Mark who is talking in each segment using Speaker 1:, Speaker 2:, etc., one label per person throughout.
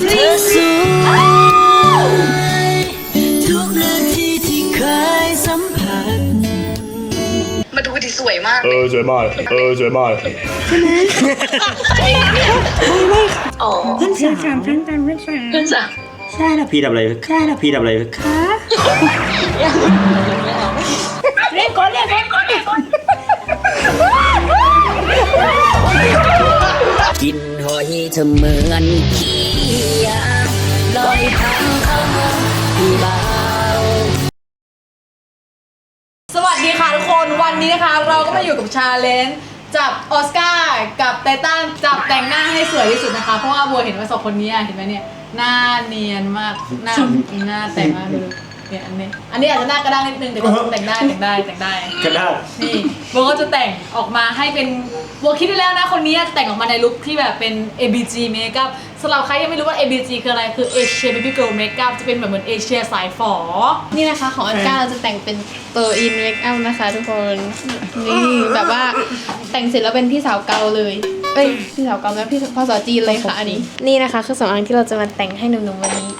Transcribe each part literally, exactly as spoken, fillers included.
Speaker 1: เธอสวยทุกนาทีที่เคยสัมผัส
Speaker 2: มาดูดิสวยมาก
Speaker 3: เออสวยมากเออสวยมาก
Speaker 2: อ๋อ
Speaker 4: เพื่อนสาวเพื่อนสาวเพื่อนสาวเพื่อนสาว
Speaker 2: เพื่อนสาว
Speaker 4: ใช่แล้วพี่ทำอะไรใช่แล้วพี่ทำอะไรคะเรียกก่อนเรียกก่อนเรียกก่อนกินหอยเธอเหมือนขี้ยาลอยทางเข้ามาที่บ่าว
Speaker 5: สวัสดีค่ะทุกคนวันนี้นะคะเราก็มาอยู่กับชาเลนจ์จับออสการ์กับไททันจับแต่งหน้าให้สวยที่สุดนะคะเพราะว่าบัวเห็นว่าสองคนนี้เห็นไหมเนี่ยหน้าเนียนมากหน้าหน้าแต่งมากเลยเนี่ยอันนี้อันนี้อาจจะหน้ากระด้างนิดนึงแต่ก็แต่งได้แต่งได้แต่งได้
Speaker 3: กระด้าง
Speaker 5: นี่บัวก็จะแต่งออกมาให้เป็นบัวคิดได้แล้วนะคนนี้จะแต่งออกมาในลุคที่แบบเป็น เอ บี จี Makeup สำหรับใครยังไม่รู้ว่า เอ บี จี คืออะไรคือ Asia Baby Girl Makeup จะเป็นแบบเหมือนเอเชียสายฝอ
Speaker 6: นี่นะคะของอันก้าเราจะแต่งเป็นเตอร์อินเมคอัพนะคะทุกคนนี่แบบว่าแต่งเสร็จแล้วเป็นพี่สาวเกาเลยเอ้ยพี่สาวเกาแล้วพี่ภาษาจีนเลยค่ะอันนี้นี่นะคะคือสองอันที่เราจะมาแต่งให้หนุ่มๆวันนี้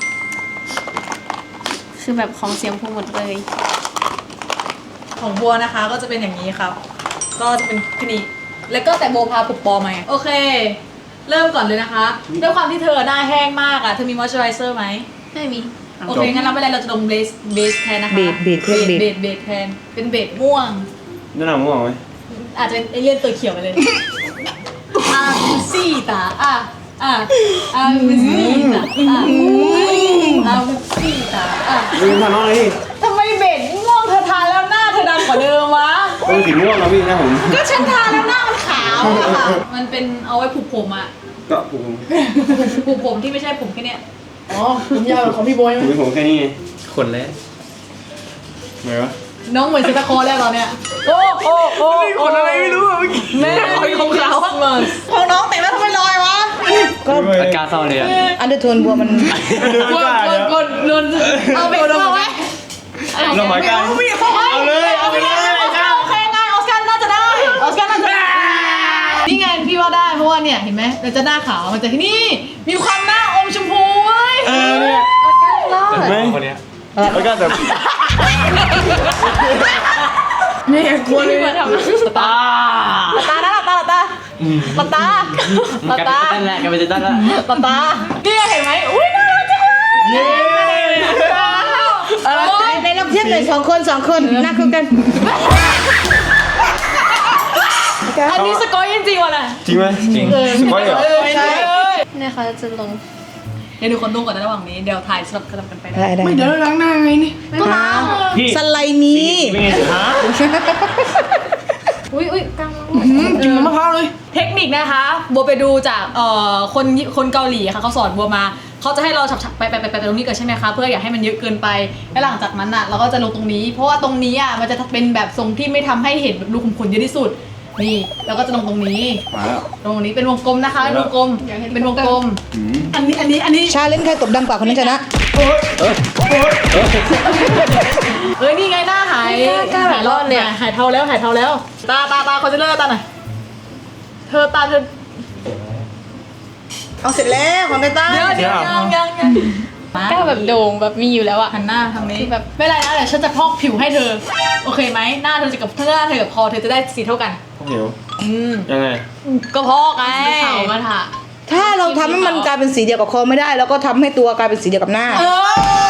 Speaker 6: คือแบบของเสียงพูหมดเลย
Speaker 5: ของบัวนะคะก็จะเป็นอย่างนี้ครับก็จะเป็นคณีแล้วก็แต่โบพาปุบปอมาโอเคเริ่มก่อนเลยนะคะด้วยความที่เธอหน้าแห้งมากอ่ะเธอมีมอยส์เจอไรเซอร์ไหม
Speaker 6: ไม่มี
Speaker 5: โอเคงั้นเราไม่เป็นไรเราจะลงเบสเบสแทนนะคะ
Speaker 4: เบสเบสเบส
Speaker 5: เบสเบสแทนเป็นเบสม่วง
Speaker 3: นั่นหนังม่วงไหม
Speaker 5: อาจจะเป็นเอเลี่ยนตัวเขียวไปเลยอาคุซี่ตาอ่ะอ่ะอาคุซี่ตาอ่ะอาคุซี่ตาอ่ะ
Speaker 3: มึงทำน้องเลยดิ
Speaker 5: ทำไมเบสม่วงเธอทาแล้วหน้าเธอดำกว่าเดิมวะ
Speaker 3: เป็นสีม่วงนะพี่นะผม
Speaker 5: ก็ฉันทาแล้วหน้ามันขาวอะค่ะมันเป็นเอาไว้ผูกผมอะ
Speaker 3: ก็ผม
Speaker 5: ผูกผมที่ไม่ใช่ผมแค่เนี้ย
Speaker 4: อ๋อผมยาวของพี่บอย
Speaker 3: ผมเป็นผมแค่นี้ขนแล้วไงวะ
Speaker 5: น้องเหมือนซิตาคอแล้วตอนเนี้ยโอ้โอ้โอ้
Speaker 3: ขนอะไรไม่รู้อ่ะเมื่อกี้
Speaker 5: แม่ของเขาของน้องแต่งแล้วทำไมลอยวะ
Speaker 4: ก็
Speaker 3: อาการเศร้าเลยอ่ะ
Speaker 4: อันเดอร์โทนบัวมัน
Speaker 5: กดกดกดนนเอาไปเอาไว้
Speaker 3: เราหมายการเอาเลยเอาไปเลย
Speaker 5: โอเคไงออสการ์น่าจะได้ออสการ์น่าจะได้นี่ไงพี่ว่าได้เพราะว่าเนี่ยเห็นไหมเราจะหน้าขาวมันจะที่นี่มีความหน้าอมชมพูเว้ย
Speaker 3: เออเนี่ย
Speaker 5: เห็นไหม
Speaker 3: คนนี้แล้วก็แบบ
Speaker 5: นี่กลัวเลย
Speaker 6: มาทำ
Speaker 5: ตาตาตาตาตาตาตาตาตา
Speaker 3: นั่นแหละกันไปจะตั้งแล้ว
Speaker 5: ตาตานี่เห็นไหมอุ้ยน่ารักจังเลย
Speaker 3: เย้
Speaker 4: ในลองเทียบเลยสองคนสองคนหน้าคู่กัน
Speaker 5: อันนี้สกอยจริงๆว่ะน่ะ
Speaker 3: จริงไหมจริงสปอยเหรอ
Speaker 5: ใช่
Speaker 6: เนี่ยค่ะจะลง
Speaker 5: เดี๋ยวดูคนนุ่งก่อนในระหว่างนี้เดี๋ยวถ่ายสลับกันไปนะ
Speaker 4: ได้ได้
Speaker 5: ไม่เดี๋ยวล้างหน้าไงนี่ก็ล้าง
Speaker 3: พี่
Speaker 4: สไลด์มี
Speaker 3: เป็นไงสิฮะ
Speaker 6: อุ้ยอุ้ยกลาง
Speaker 5: กินมะพร้าวเลยเทคนิคนะคะบัวไปดูจากเอ่อคนคนเกาหลีค่ะเขาสอนบัวมาเขาจะให้เราฉับๆไปไปไปไปตรงนี้ก่อนใช่ไหมคะเพื่ออย่าให้มันเยอะเกินไปแล้วหลังจากนั้นอ่ะเราก็จะลงตรงนี้ เพราะว่าตรงนี้อ่ะมันจะเป็นแบบทรงที่ไม่ทำให้เห็นรูขุมขนเยอะที่สุดนี่เราก็จะลงตรงนี้
Speaker 3: มาแล้ว
Speaker 5: ตรงนี้เป็นวงกลมนะคะเป็นวงกลมเป็นวงกลมอันนี้อันนี้อันนี้
Speaker 4: ชาเลนจ์ใครตบดังกว่าคนนั้นชนะ
Speaker 5: เอ้ยนี่ไงหน้าหายหายรอดเนี่ยหายเทาแล้วหายเทาแล้ว ตาตาตาคอนซีลเลอร์ตาหน่อยเธอตาเธอ
Speaker 4: เอาเสร็จแล้วของไททัน
Speaker 5: เดี๋ยวเดี๋ยวยังยังยัง
Speaker 6: ก้าวแบบโด่งแบบมีอยู่แล้วอะ
Speaker 5: หันหน้าทางนี้
Speaker 6: คือแบบ
Speaker 5: ไม่เป็นไรนะเดี๋ยวฉันจะพอกผิวให้เธอโอเคไหมหน้าเธอจะกับหน้าเธอกับคอเธอจะได้สีเท่ากัน
Speaker 3: หิว
Speaker 5: อืม
Speaker 3: ยังไง
Speaker 5: ก็พอกไง
Speaker 6: ขาวมาถ่า
Speaker 4: ถ้าเราทำให้มันกลายเป็นสีเดียวกับคอไม่ได้แล้วก็ทำให้ตัวกลายเป็นสีเดียวกับหน้า
Speaker 5: เออ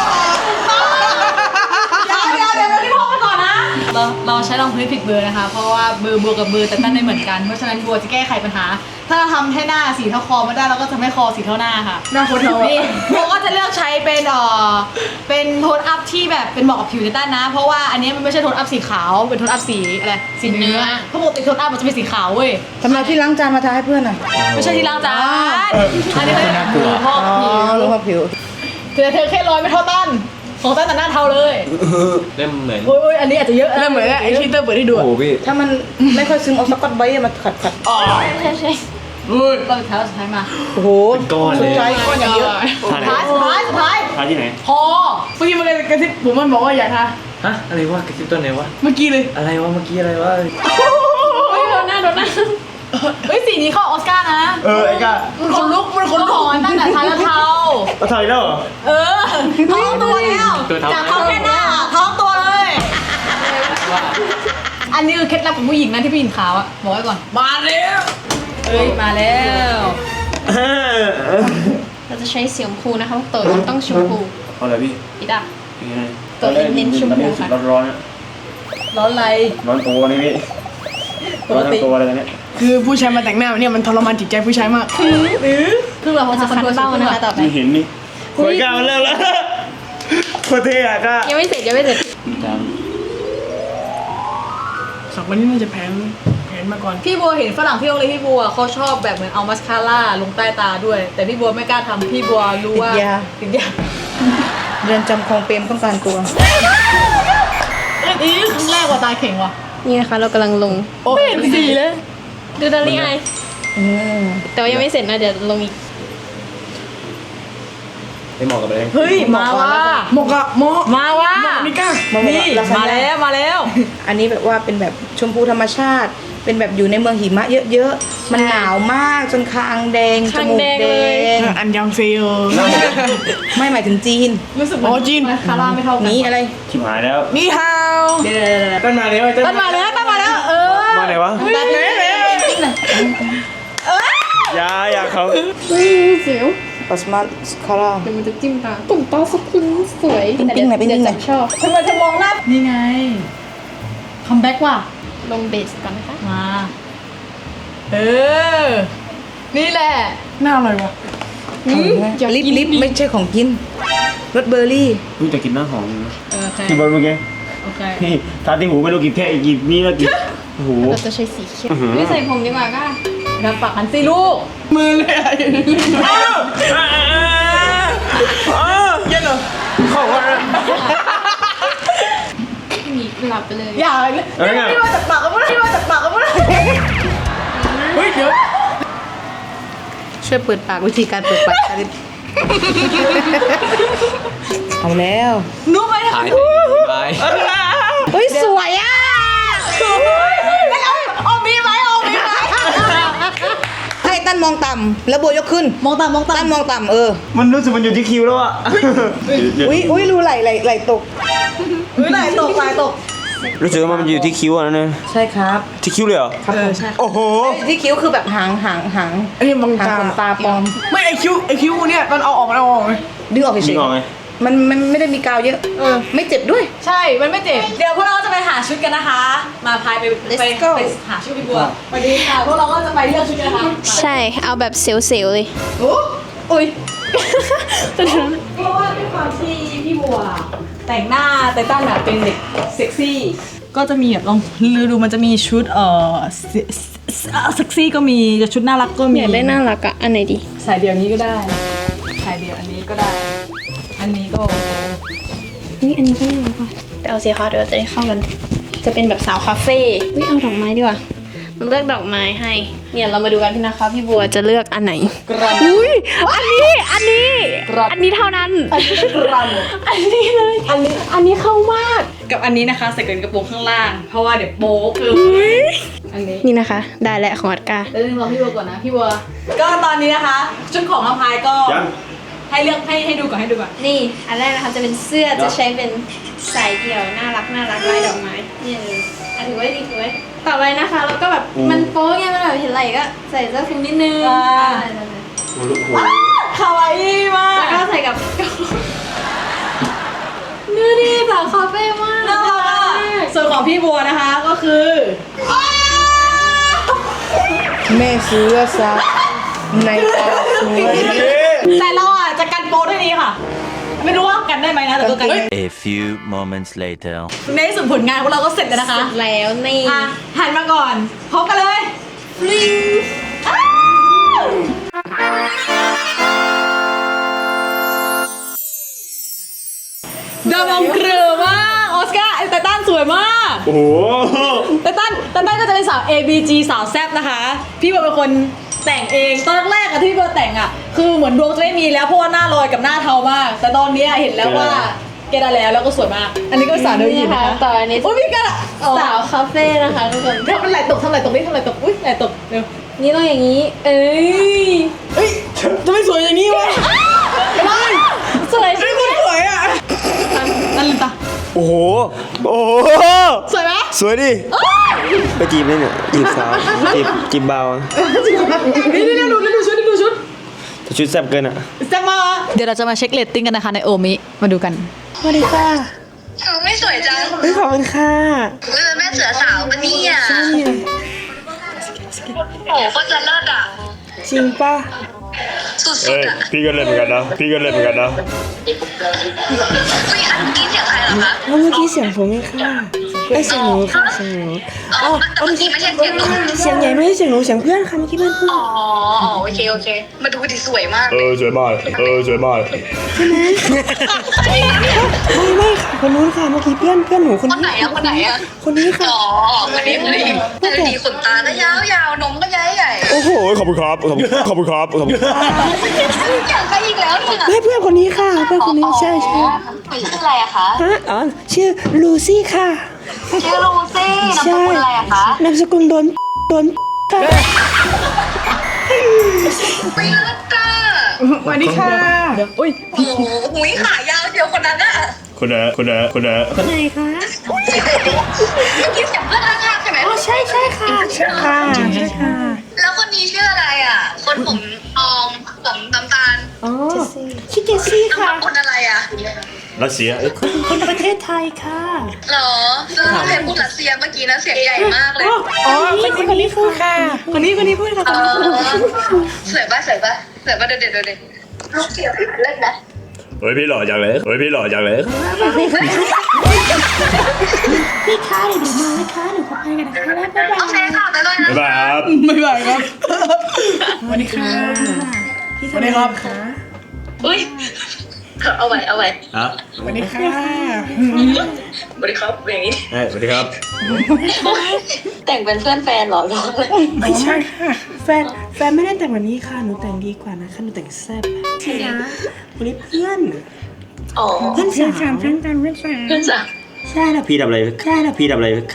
Speaker 5: เดี๋ยวเดี๋ยวเดี๋ยวพี่พอกไปก่อนนะเราเราใช้รองพื้นผิดเบอร์นะคะ เพราะว่าเบอร์บัวกับเบอร์แต่ตั้นไม่เหมือนกันเพราะฉะนั้นบัวจะแก้ไขปัญหา ถ้าเราทำให้หน้าสีเท่าคอไม่ได้เราก็จะไม่คอสีเท่าหน้าค่ะ
Speaker 4: หน้าคนเรา
Speaker 5: นี่โบก็จะเลือกใช้เป็นเอ่อเป็นโทนอัพที่แบบเป็นเหมาะกับผิวไททันนะ เพราะว่าอันนี้มันไม่ใช่โทนอัพสีขาวเป็นโทนอัพสีอะไรสีเนื้อเพราะปกติโทนอัพมันจะเป็นสีขาวเว้ย
Speaker 4: ทำไมที่ล้างจานมาทาให้เพื่อนอ่ะ
Speaker 5: ไม่ใช่ที่ล้างจานอันนี้เป็นพอก
Speaker 4: อ๋อ
Speaker 5: ผิว
Speaker 4: ลงมาผิว
Speaker 5: เธอเธอแค่ร้อยไม่เท่าตั้นของตั้นแต่หน้าเทาเลย
Speaker 3: เริ่มเหมือน
Speaker 5: โอ้ยอันนี้อาจจะเยอะเริ่มเหมือนไอชีเตอร์เปิดให้ดู
Speaker 3: โอ้พี่
Speaker 4: ถ้ามันไม่ค่อยซึมเอาสกอตไบรท์มาขัดขัด
Speaker 6: ใช่ใช่
Speaker 5: ก็สุดท้ายสุดท้ายมา
Speaker 4: โอ้โห
Speaker 3: ก้อนเลย
Speaker 4: สุดท้ายก้อนอย่างเยอะ
Speaker 5: สุดท้ายสุดท้ายสุดท้าย
Speaker 3: ทาที่ไหน
Speaker 5: พอเมื่อกี้มันกระซิบผมมันบอกว่าอย่าทา
Speaker 3: ฮะอะไรวะกระซิบต้นไหนวะ
Speaker 5: เมื่อกี้เลย
Speaker 3: อะไรวะเมื่อกี้อะไรวะ
Speaker 6: เฮ้ยโดนหน้าโดนหน้า
Speaker 5: เฮ้ยสีนี้เข้าออสการ์นะ
Speaker 3: เออไอ้ก้า
Speaker 5: มันคนลุกมันคนลุกตั้งแต่ทาแล้วเทา
Speaker 7: ก็ถอยแล้วเหรอ
Speaker 5: เออท้องตัวแล้ว
Speaker 3: ตัวท้อง
Speaker 5: จากท้องแค่หน้าท้องตัวเลยอันนี้คือเคล็ดลับของผู้หญิงนะที่ผู้หญิงขาวอะบอกไว้ก่อนมาแล้วเอ้ยมาแล้ว
Speaker 6: เราจะใช้สีชมพูนะคะเต๋อต้องชมพู
Speaker 7: เอาเลยพี่
Speaker 6: อีดา
Speaker 7: ยังไง
Speaker 6: ตัวเน้นๆชมพู
Speaker 7: ตอนนี้รู้สึก
Speaker 6: ค่ะ
Speaker 7: ร้อนๆนะ
Speaker 5: ร้อนอะไร
Speaker 7: ร้อนตัวนี่พี่
Speaker 5: ป
Speaker 7: ร้อก นทั้
Speaker 5: ติ
Speaker 7: งตัวเลยตอนเนี้ย
Speaker 8: คือผู้ชายมาแต่งหน้าเนี่ยมันทรมานจิตใจผู้ชายมาก
Speaker 5: คือแบบว่าจะ
Speaker 6: จะ
Speaker 5: คอน
Speaker 6: คัน
Speaker 5: โทรล
Speaker 6: เบ้านะคะต่อไป
Speaker 7: ไม่เห็นนี่โคตรกล้ามันเริ่มแล้วโคตรเท่อะกล้า
Speaker 6: ยังไม่เสร็จยังไม่เสร็จ
Speaker 8: สักวันนี้น่าจะแผนแผนมาก่อน
Speaker 5: พี่บัวเห็นฝรั่งที่โรงเรียนพี่บัวเขาชอบแบบเหมือนเอามัสคาร่าลงใต้ตาด้วย แต่พี่บัวไม่กล้าทำพี่บัวรู้ว่า
Speaker 9: ติดยา
Speaker 5: ติดยา
Speaker 9: เรือนจำคลองเปรมต้องการตัว
Speaker 5: เอ้ยนี่ครั้งแรกว่าตาเข่งว่ะ
Speaker 6: นี่นะคะเรากำลังลง
Speaker 5: โอ้เห็นสีเลย
Speaker 6: ดูดารี่ไอแต่ว่ายังไม่เสร็จนะเดี๋ยวลงอีก
Speaker 7: ไม่เหมาะกับอะไร
Speaker 5: เฮ้ยมาว่ะ
Speaker 8: โมกะโม
Speaker 5: มาว่ะ
Speaker 8: นี่ก้า
Speaker 5: นี่มาแล้วมาแล้ว
Speaker 9: อันนี้แบบว่าเป็นแบบชมพูธรรมชาติ เป็นแบบอยู่ในเมืองหิมะเยอะๆ มันหนาวมากจนคางแดง จ
Speaker 6: คาง
Speaker 9: มูก
Speaker 6: แดง
Speaker 9: แด
Speaker 6: เลย
Speaker 9: ง
Speaker 8: อันยังเซโย
Speaker 9: ไม่หมายถึงจีน
Speaker 5: รู้สึกเหมื
Speaker 8: อ๋อจีน
Speaker 5: มัสคาร่าไม่เท่ากัน
Speaker 9: นี่อะไร
Speaker 7: ชิบหายแล้ว
Speaker 8: นี่ฮาว
Speaker 5: เดี๋ยวเดี๋ยวเดี๋ยว
Speaker 7: ต้นมาแล้ว
Speaker 5: ตั้งมาแล้วตั้งมาแล้วเออ
Speaker 7: มาไหนวะ
Speaker 5: ตัดเลย
Speaker 7: ยาอยากเขา
Speaker 6: อุ้ยเสียว
Speaker 9: ปัสมาสคาร่า
Speaker 6: เดี๋ยวมันจะจิ้มตาตุ่มตาสักคุณสวย
Speaker 9: ปิ้งๆหน่อยปิ้งๆหน่อย
Speaker 6: ชอบ
Speaker 5: ทำไมจะมองหน้านี่ไงคัมแบ็กว่ะ
Speaker 6: ลงเบสก่อนนะคะ
Speaker 5: มา เออ นี่แหละ
Speaker 8: น่าอร่อยวะ
Speaker 9: ลิปลิปไม่ใช่ของกินรสเบอร์รี่
Speaker 7: อุ้ยแต่กินหน้าหอมนะ
Speaker 5: เออโอเค
Speaker 7: ที่บอลเมื่อกี้
Speaker 5: โอเค
Speaker 7: นี่ทาที่หูไม่รู้กี่แท่กี่นี่แล้วกี่โอ้โห
Speaker 6: เราจะใช้สีเขียว
Speaker 7: อื้อหือ
Speaker 6: ไม่ใส่ผมดีกว่าก็
Speaker 5: ทำปากหันสิลูก
Speaker 8: มือเลยอะ
Speaker 7: เย็นเหรอของอะไร
Speaker 6: มีหลับไปเลย
Speaker 5: อย่า
Speaker 7: เอ้ย
Speaker 5: พี่ว่าจากปากก็ไม่ได้พี่ว่าจากปากก็ไม่ได้
Speaker 8: เฮ้ยเดี๋ยว
Speaker 9: ช่วยเปิดปากวิธีการเปิดปากชาลิปเอาแล้ว
Speaker 5: รู้ไหม
Speaker 3: ถ่ายไป
Speaker 9: เฮ้ยสวยอ่ะ
Speaker 5: เอามีไหมเอามีไหม
Speaker 9: ให้ตั้นมองต่ำแล้วโบยกขึ้น
Speaker 5: มองตามมองตา
Speaker 9: ตั้
Speaker 5: ม
Speaker 9: นมองต่ำเออ
Speaker 7: มันรู้สึกมันอยู่ที่คิวแล้วอะเดี๋ยว
Speaker 9: อุ้ยอุ้ยรู้ไหลไหลไหลตก
Speaker 5: เฮ้ยไหลตกไหลตก
Speaker 7: รู้สึกว่ามันอยู่ที่คิวอะนะเนี่ย
Speaker 9: ใช่ครับ
Speaker 7: ที่คิวเลยเหรอ
Speaker 9: ครับผม
Speaker 7: โอ้โห
Speaker 9: ที่คิ้วคือแบบหางหางหาง
Speaker 8: อันนี้บัง
Speaker 9: หาง
Speaker 8: ตา
Speaker 9: ขนตาปลอม
Speaker 8: ไม่ไอคิวไอคิวเนี่ยตอนเอาออกมันเอาออกไหม
Speaker 9: ดึงออกเฉ
Speaker 7: ดึ
Speaker 9: ย
Speaker 7: งออกไหม
Speaker 9: ๆมันมันไม่ได้มีกาวเยอะ
Speaker 5: เออ
Speaker 9: ไม่เจ็บด้วย
Speaker 5: ใช่ มันไม่เจ็บ เดี๋ยวพวกเราจะไปหาชุดกันนะคะ มาพายไปไป
Speaker 9: Let's go
Speaker 5: ไปหาชุดพี่บัวไปดีค่ะ พวกเราก็จะไปเลือกชุดกันนะคะ
Speaker 6: ใช่เอาแบบเซลล์ๆเลย
Speaker 5: โอ้
Speaker 6: อุ้ย
Speaker 5: เพราะว่าด้วยความที่พี่บัว แต่งหน้าไตตันแบบเป็นเด็กเซ็กซี่ ก็จะมีแบบลองลือดูมันจะมีชุดเอ่อเซ็กซี่ก็มีชุดน่ารักก็มี
Speaker 6: อยากได้น่ารักอะอันไหนดี
Speaker 5: สายเดี่ยวนี้ก็ได้สายเดี่ยวอันนี้ก็ได้ อันนี้ก็
Speaker 6: นี่อันนี้ก็น่ารักว่ะไปเอาสีขาวเดี๋ยวจะได้เข้ากัน จะเป็นแบบสาวคาเฟ่อุ้ยเอาดอกไม้ดีกว่ามันเลือกดอกไม้ให้ เนี่ยเรามาดูกันพี่นะคะพี่บัวจะเลือกอันไหน
Speaker 5: กรัน
Speaker 6: อุ้ยอันนี้ อันนี้ อันนี้เท่านั้น
Speaker 5: กรัน
Speaker 6: อันนี้เลย อันนี้ อันนี้เข้ามาก
Speaker 5: กับอันนี้นะคะใส่กระโปรงข้างล่าง เพราะว่าเดี๋ยวโป๊กเลยอันนี้
Speaker 6: นี่นะคะ ได้แล้วของอัดกา
Speaker 5: เดี๋ยวรอพี่บัวก่อนนะพี่บัว ก็ตอนนี้นะคะชุดของอภัยก็
Speaker 7: ยัง
Speaker 5: ให้เลือกให้ให้ดูก่อนให้ดูก่อน
Speaker 6: นี่ อันแรกนะคะจะเป็นเสื้อจะใช้เป็นสายเดี่ยว น่ารักน่ารักลายดอกไม้นี่เลยอ่ะถือไว้ดีถือไว้ ต่อไปนะคะ แล้วก็แบบมันโป๊ไงมันแบบเห็นไหล่ก็ใส่เสื้อคลุมนิดนึง
Speaker 5: อ่า
Speaker 6: อ่า
Speaker 7: โอ้โห
Speaker 5: คาวาอี้มา
Speaker 6: แล้ว
Speaker 5: ก
Speaker 6: ก็ใส่กับดูดิสาวคาเฟ่มาก
Speaker 5: น่ารักอ่ะส่วนของพี่บัวนะคะก็คือ
Speaker 9: แม่เสือสาวในตาสวย
Speaker 5: แต่เราอ่ะจะกันโป๊ด้วยนี้ค่ะ ไม่รู้ว่ากันได้ไหมนะแต่ก็กัน
Speaker 10: A few moments later.
Speaker 5: ในที่สุดผลงานของเราก็เสร็จแล้วนะคะ
Speaker 6: แล้วนี่
Speaker 5: อ่ะหันมาก่อนพบกันเลยฟลิงอ้าวดาวมองเกลือมากออสการ์ไตตันสวยมาก
Speaker 7: โอ้โห
Speaker 5: ไตตันไตตันก็จะเป็นสาว เอ บี จี สาวแซ่บนะคะ พี่บัวเป็นคนแต่งเองตอนแรกๆอะที่พี่บัวแต่งอะคือเหมือนดวงจะไม่มีแล้วเพราะว่าหน้าลอยกับหน้าเทามาก แต่ตอนนี้เห็นแล้วว่าแกได้แล้วแล้วก็สวยมาก อันนี้ก็เป็นสาวเดินหญิงนะคะ
Speaker 6: ต่ออันนี้
Speaker 5: โอ้ยพี่กันอะ
Speaker 6: สาวคาเฟ่นะคะทุกคน
Speaker 5: ทำเป็นไหลตกทำไหลตกนี่ทำไหลตกอุ้ยไหลตกเร็ว
Speaker 6: นี่ต้องอย่างนี้ เอ้ย
Speaker 8: เฮ้ยจะไม่สวยอย่างนี้วะ
Speaker 5: ไม่
Speaker 7: โอ้โหโอ้โห
Speaker 5: สวยไหม
Speaker 7: สวยดิไปจีบเลยเนี่ยจีบสาวจีบจีบเบา
Speaker 5: นี่นี่ดูดูชุดดูชุด
Speaker 7: แต่ชุดแซ่บเกินอ่ะ
Speaker 5: แซ่บมาเดี๋ยวเราจะมาเช็คเรตติ้งกันนะคะในโอมิมาดูกัน
Speaker 9: สวัสดีค่ะ
Speaker 2: เออไม่สวยจัง
Speaker 9: เฮ้ยขอบคุณค่ะ
Speaker 2: เออแม่เสือสาวปะเนี่ยโอ้ก็จะเลิศอ่ะ
Speaker 9: จริงป่ะ
Speaker 2: สุด
Speaker 7: เอ้ย
Speaker 2: ๆอ่ะ
Speaker 7: พี่ก็เล่นเหมือนกันนะพี่ก็เล่นเหมือนกันนะ
Speaker 2: คุยอันเมื่อกี้เสียงใครเหรอคะ
Speaker 9: แล้วเมื่อกี้เสียงผมเองค่ะไอยเสียงหนูค่ะเสียงหนู
Speaker 2: อ๋อแต่เมื่อกี้ไม่ใช่เสียงหนู
Speaker 9: เสียงใหญ่ไม่ใช่เสียงหนูเสียงเพื่อนค่ะเมื่อกี้เพื่อนพูด
Speaker 2: อ๋อโอเคโอเคมาดูดิสวยมาก
Speaker 7: เออสวยมากเออสวยมาก
Speaker 9: ไม่ไม่ค่ะคนนู้นค่ะเมื่อกี้เพื่อนเพื่อนหนูคน
Speaker 2: คนไหนอะคนไหนอะ
Speaker 9: คนนี้ค่ะ
Speaker 2: อ๋อคนนี้คนนี้แต่ดีขนตาก็ยาวยาวนมก็ใหญ่ใหญ่
Speaker 7: โอ้โหขอบคุณครับขอบคุณขอบคุณครับขอบคุณครับ
Speaker 2: อยากไปอีกแล้วเนี่ย
Speaker 9: เพื่อนเพื่อนคนนี้ค่ะเพื่อนคนนี้ใช่ใช่
Speaker 2: ชื่ออะไรอะคะ
Speaker 9: ฮะอ๋อชื่อลูซี่ค่ะ
Speaker 2: ชื่อลูซี่นามสกุลอะไรอะคะ
Speaker 9: นามสกุลโดนโดนค่ะ
Speaker 2: ไม่เลิศจ้า
Speaker 8: สวัสดีค่ะ
Speaker 5: อุ้ย
Speaker 2: โอ้โหหุยขายาวเดียวคนนั้นอะ
Speaker 7: คนไหนคนไหนคนไหน
Speaker 9: คนไหนคะ
Speaker 2: เมื่อกี้เสียงเพื่อนข้างๆใช่ไหม
Speaker 9: ใช่ใช่ค่ะใช่ค่ะใช่ค่ะ
Speaker 2: แล้วคนนี้ชื่ออะไรอะคนผมทองผมน้ำตาล
Speaker 9: อ๋อชื่อเจสซี่
Speaker 2: นาม
Speaker 9: ค่ะ
Speaker 2: สกุลอะไรอะ
Speaker 7: รัสเซียเอ้ย
Speaker 9: คนประเทศไทยค่ะ
Speaker 2: เหรอแล้วเราเพลงพูดรัสเซียเมื่อกี้นะเสียงใหญ่มากเลย
Speaker 9: อ๋อคนนี้คนนี้พูดค่ะคนนี้คนนี้พูดค่ะ
Speaker 2: เออสวยป่ะสวยป่ะสวยป่ะเด็ดเด็ดเด็ดลูกเสียงเลิศนะ
Speaker 7: เฮ้ยพี่หล่อจังเลยเฮ้ยพี่หล่อจังเลย
Speaker 9: พี่คะเดี๋ยวมานะคะเดี๋ยวขอไปกันนะคะแล้วบ๊ายบา
Speaker 2: โอเคค่ะไปเลยนะ
Speaker 7: บ๊ายบายครับ
Speaker 8: ไม่ไหวครับ สวัสดีค่ะ
Speaker 9: ย
Speaker 8: สวัสดีครับ
Speaker 2: อุ้ยเอาไว้เอาไว้
Speaker 7: อ่ะ
Speaker 8: สวัสดีค่ะ
Speaker 2: สวัสดีครับอย่างนี้
Speaker 7: เฮ้ยสวัสดีครับ
Speaker 2: แต่งเป็นเพื่อนแฟนเหรอร้องเลย
Speaker 8: ไม่ใช่ค่ะ
Speaker 9: แฟนแฟนไม่ได้แต่งแบบนี้ค่ะหนูแต่งดีกว่านะคะหนูแต่งแซ่บใช่นะวันนี้เพื่อน
Speaker 2: อ๋อ
Speaker 9: เพื่อนสาว
Speaker 8: เพื่อนกันเพื่อนสาว
Speaker 2: เพื่อนจ้ะ
Speaker 9: ใช่แล้ว
Speaker 7: พี่ทำอะไรใช่นะพี่ทำอะไร
Speaker 9: คะ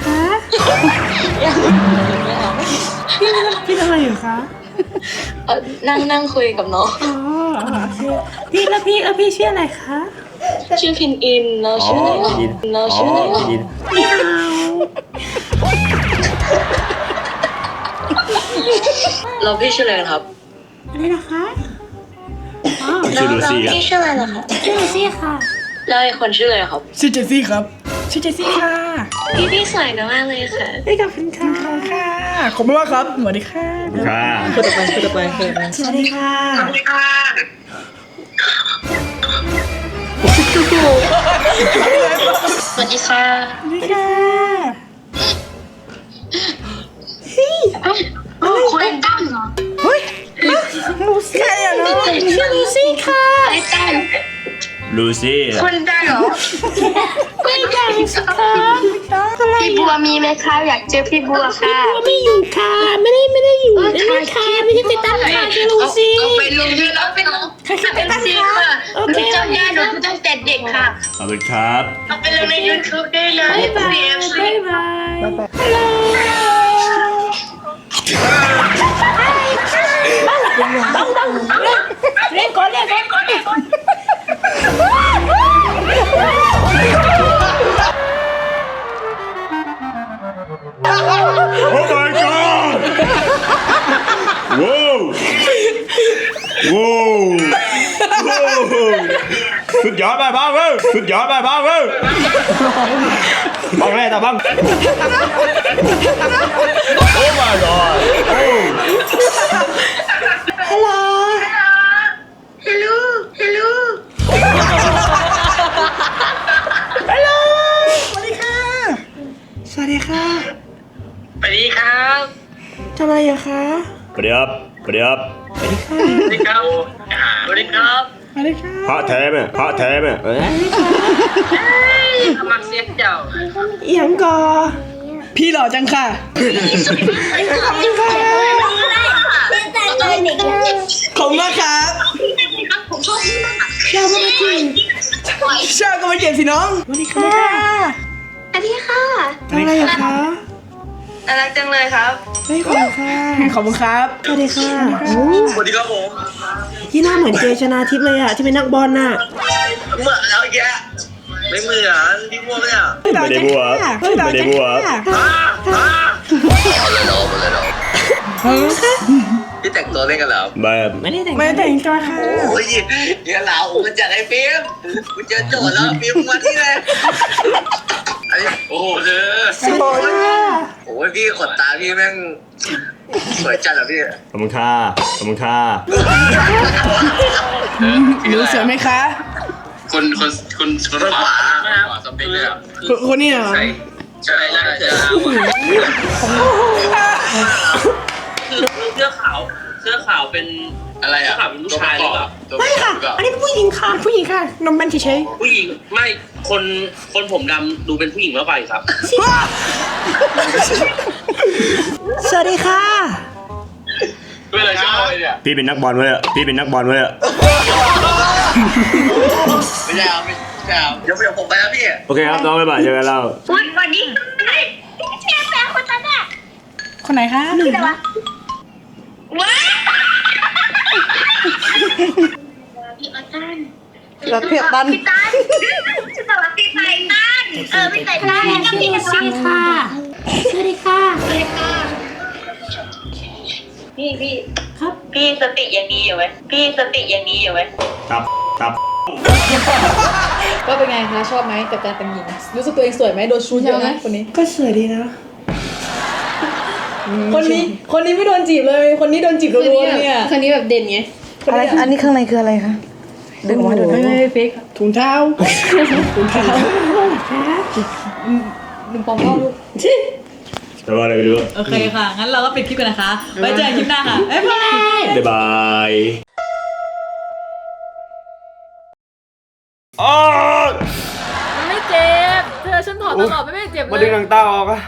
Speaker 9: พี่พี่ทำอะไรอยู่คะ
Speaker 2: เออนั่งนั่งคุยกับน้อง
Speaker 9: อ๋อพี่แล้วพี่แล้วพี่ชื่ออะไรคะ
Speaker 2: ชื่อพินอินเรา
Speaker 7: อ๋อ
Speaker 2: ชื่ออะไร
Speaker 7: ยิน
Speaker 2: เรา
Speaker 7: อ๋อ
Speaker 2: ชื่ออะไร
Speaker 7: ยิน
Speaker 9: ไม่เอา
Speaker 2: เราพี่ชื่ออะไรกันครับ
Speaker 9: อะไรนะคะ
Speaker 7: ชื่อลูซี่อ่ะ
Speaker 2: พี่ชื่ออะไรล่ะคะ
Speaker 9: ชื่อลูซี่ค่ะ
Speaker 2: แล้วไอ้คนชื่ออะไรครับ
Speaker 8: ชื่อเจสซี่ครับ ชื่อเจสซี่ค่ะ
Speaker 2: พี่พี่สวยนะมากเลยค่ะ
Speaker 9: ไม่กับคุณค่ะ
Speaker 8: ค่ะ ขอบคุณมากครับ สวัสดีค่ะ
Speaker 7: ค่ะ
Speaker 5: คนต่อไปคนต่อไป
Speaker 9: สวัสดีค่ะ
Speaker 2: สวัสดีค่ะ
Speaker 9: สวัสดีค่ะ
Speaker 2: คุณตั้งเหรอ
Speaker 9: ลูซี่อะเนาะชื่อลูซี่ค่ะ
Speaker 2: ไอ้ตั้ง
Speaker 7: ลูซี่
Speaker 2: คุณตั้งเหรอ
Speaker 9: ไม่ได้สิคะอะไร
Speaker 2: พี่บัวมีไหมคะอยากเจอพี่บัวค่ะ
Speaker 9: ไม่อยู่ค่ะไม่ได้ไม่ได้อยู่ไม่ได้ค่ะไม่ใช่ติดตั้งค่ะชื่อลูซี่
Speaker 2: เอาไปลงด้วยแล้วไปลง
Speaker 9: ใครคิดติดตั้ง
Speaker 2: จริง
Speaker 9: ค่ะ
Speaker 2: ค่ะ
Speaker 9: โอเค
Speaker 2: จำได้หนูตั้งแต่เด็กค่ะ
Speaker 7: ขอบคุณครับ
Speaker 2: เอาไปลงใน YouTube ได้เลย
Speaker 9: บ๊ายบาย
Speaker 2: ซี เอ็ม ซี
Speaker 9: บ๊ายบายฮัลโหลบังบังเล่นก่อนเล่นก่อนเล่นก่อน
Speaker 7: โอ้ my god ว้าวว้าวสุดยอดไปบ้างเว้ยสุดยอดไปบ้างเว้ยบ้างแรกแต่บ้างโอ้ my god โอ้
Speaker 9: ฮัลโหล
Speaker 2: ฮัลโหลฮัลโหล
Speaker 9: ฮัลโหลสวัสดีค่ะ สวัสดีค่ะ
Speaker 2: สวัสดีครับ
Speaker 9: ทำอะไรอยู่คะ
Speaker 7: สวัสดีครับสวัสดีครับ
Speaker 2: สวัสดีครับสวัสดีครับ
Speaker 9: สวัสดีค่ะ
Speaker 7: พระแท้ไหมพระแท้ไหมเอ้ย
Speaker 2: สมัครเสียเจ้า
Speaker 9: อีหยังก่อ
Speaker 8: พี่หล่อจังค่ะ
Speaker 9: ขอบคุณค่ะ
Speaker 8: ขอบคุณมากครับ
Speaker 2: ผมชอบพี่มาก
Speaker 9: ชอบมาจริง
Speaker 8: ชอบก็มาเก็บสิน้อง
Speaker 9: สวัสดีค่ะ
Speaker 2: สวัสดีค่ะ
Speaker 9: ทำอะไรอยู่คะ
Speaker 2: น่ารักจังเลยครับ
Speaker 9: เฮ้ยขอบคุณค่ะ
Speaker 8: ขอบคุณครับ
Speaker 9: สวัสดีค่ะ
Speaker 2: สวัสดีครับผม
Speaker 9: ที่หน้าเหมือนเจชนาทิพย์เลยอะที่เป็นนักบอลน่ะ
Speaker 2: เหมือนแล้วแก
Speaker 11: ไม่เหมือนพี่บัวเนี่ย
Speaker 7: ไม่ได้บัวไม่ได้บัว
Speaker 11: เอาเลยเนาะเอาเลยเนาะพี่แต่งตัวเล่นกันเหรอ
Speaker 7: แบบ
Speaker 8: ไม่ได้แต่งไม่ได้แต่งตัวค่ะ
Speaker 11: โอ้ยเนี่ยเรามันจากไอ้ฟิล์มกูเจอโจทย์แล้วฟิล์มมาที่เลยอันนี้โอ้โหเธอโอ้ยพี่ขนตาพี่แม่งสวยจัดเหรอพี่
Speaker 7: ขอบคุณค่ะขอบคุณค่ะ
Speaker 8: หนูสวยไหมคะ
Speaker 11: คนคนคนคนขวาขวาสเปคเลยอ่ะ
Speaker 8: คนคนนี้เหรอ
Speaker 11: ใช่ใช่ใช่ใช่
Speaker 12: เสื้อขาวเสื้อขาวเป็น
Speaker 11: อะไรอ่ะ
Speaker 12: เสื้อขาวเป็นผู้ชายหรือเปล่า
Speaker 8: ไม่ค่ะ อันนี้เป็นผู้หญิงค่ะ ผู้หญิงค่ะ นมแบนเฉย
Speaker 12: ผู้หญิงไม่คนคนผมดำดูเป็นผู้หญิงมากกว่าอีกครับ
Speaker 8: ๆสวัสดีค่ะ
Speaker 11: เพื่ออะไรชอบเลยเนี่ย
Speaker 7: พี่เป็นนักบอลไว้เลยพี่เป็นนักบอลไว้เลย
Speaker 11: ไม่ใช่เอาไม่ใช่เอาเดี๋ยวเดี๋ยวผมไปแล้วพี่
Speaker 7: โอเคครับน้องบ๊ายบายเจอกันแล้ว
Speaker 2: วันวันนี้แชร์แฟนคนนั้นอะ
Speaker 8: คนไหนคะ
Speaker 2: ชื่ออะไรวะว้าพี่ออตัน
Speaker 9: เราเพียบตัน
Speaker 2: พี่ตันชื่ออะไรวะพี่ไทตันเออพี่ไทตันแล้วก็พี่ซีค่ะสวัสดีค่ะสวัสดีค่ะพี่พี่ครับพี่สติยังดีอยู่ไหมพี่สติยังดีอยู่ไหม
Speaker 7: ครับครับ
Speaker 5: ก็เป็นไงคะชอบไหมกับการแต่งหญิงรู้สึกตัวเองสวยไหมโดนชูเยอะนะคนนี้
Speaker 8: ก็สวยดีนะ
Speaker 5: คนนี้คนนี้ไม่โดนจีบเลย คนนี้โดนจีบรัวๆเนี่ย
Speaker 6: คนนี้แบบเด่นไง
Speaker 9: อะไรอันนี้ข้างในคืออะไรคะดึงออกมาดูหน่อย
Speaker 5: ไม่เฟก
Speaker 8: ถุงเท้า ถุงเท้า
Speaker 5: ดึงปองเข้าลูก
Speaker 7: แต่ว่าอะไรไม่รู้
Speaker 5: โอเคค่ะ งั้นเราก็ปิดคลิปกันนะคะ ไว้เจอกันคลิปหน้าค่ะ บ๊ายบาย
Speaker 7: บ๊ายบายอ๋อ
Speaker 5: มันไม่เจ็บ เธอฉันถอดตลอดไม่เจ็บเลย
Speaker 7: มาดึงหนังตาออกอะ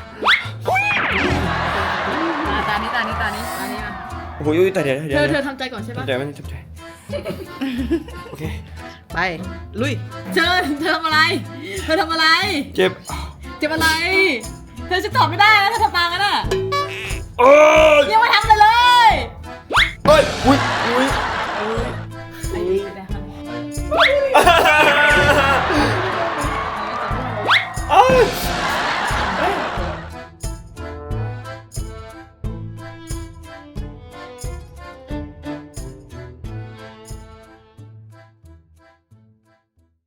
Speaker 5: มาตานี้ตานี้ตานี้ตานี้มา
Speaker 7: โอ้โหยุ่ยแต่เดี๋ยว
Speaker 5: เธ
Speaker 7: เดี๋ยว
Speaker 5: อเธอทำใจก่อนใช่ปะ
Speaker 7: ทำใจมันทำใจโอเค
Speaker 5: ไป ลุย เธอเธอทำอะไร เธอทำอะไร
Speaker 7: เจ็บ
Speaker 5: เจ็บอะไร เธอฉันตอบไม่ได้นะเธอทำตามกันอ่ะ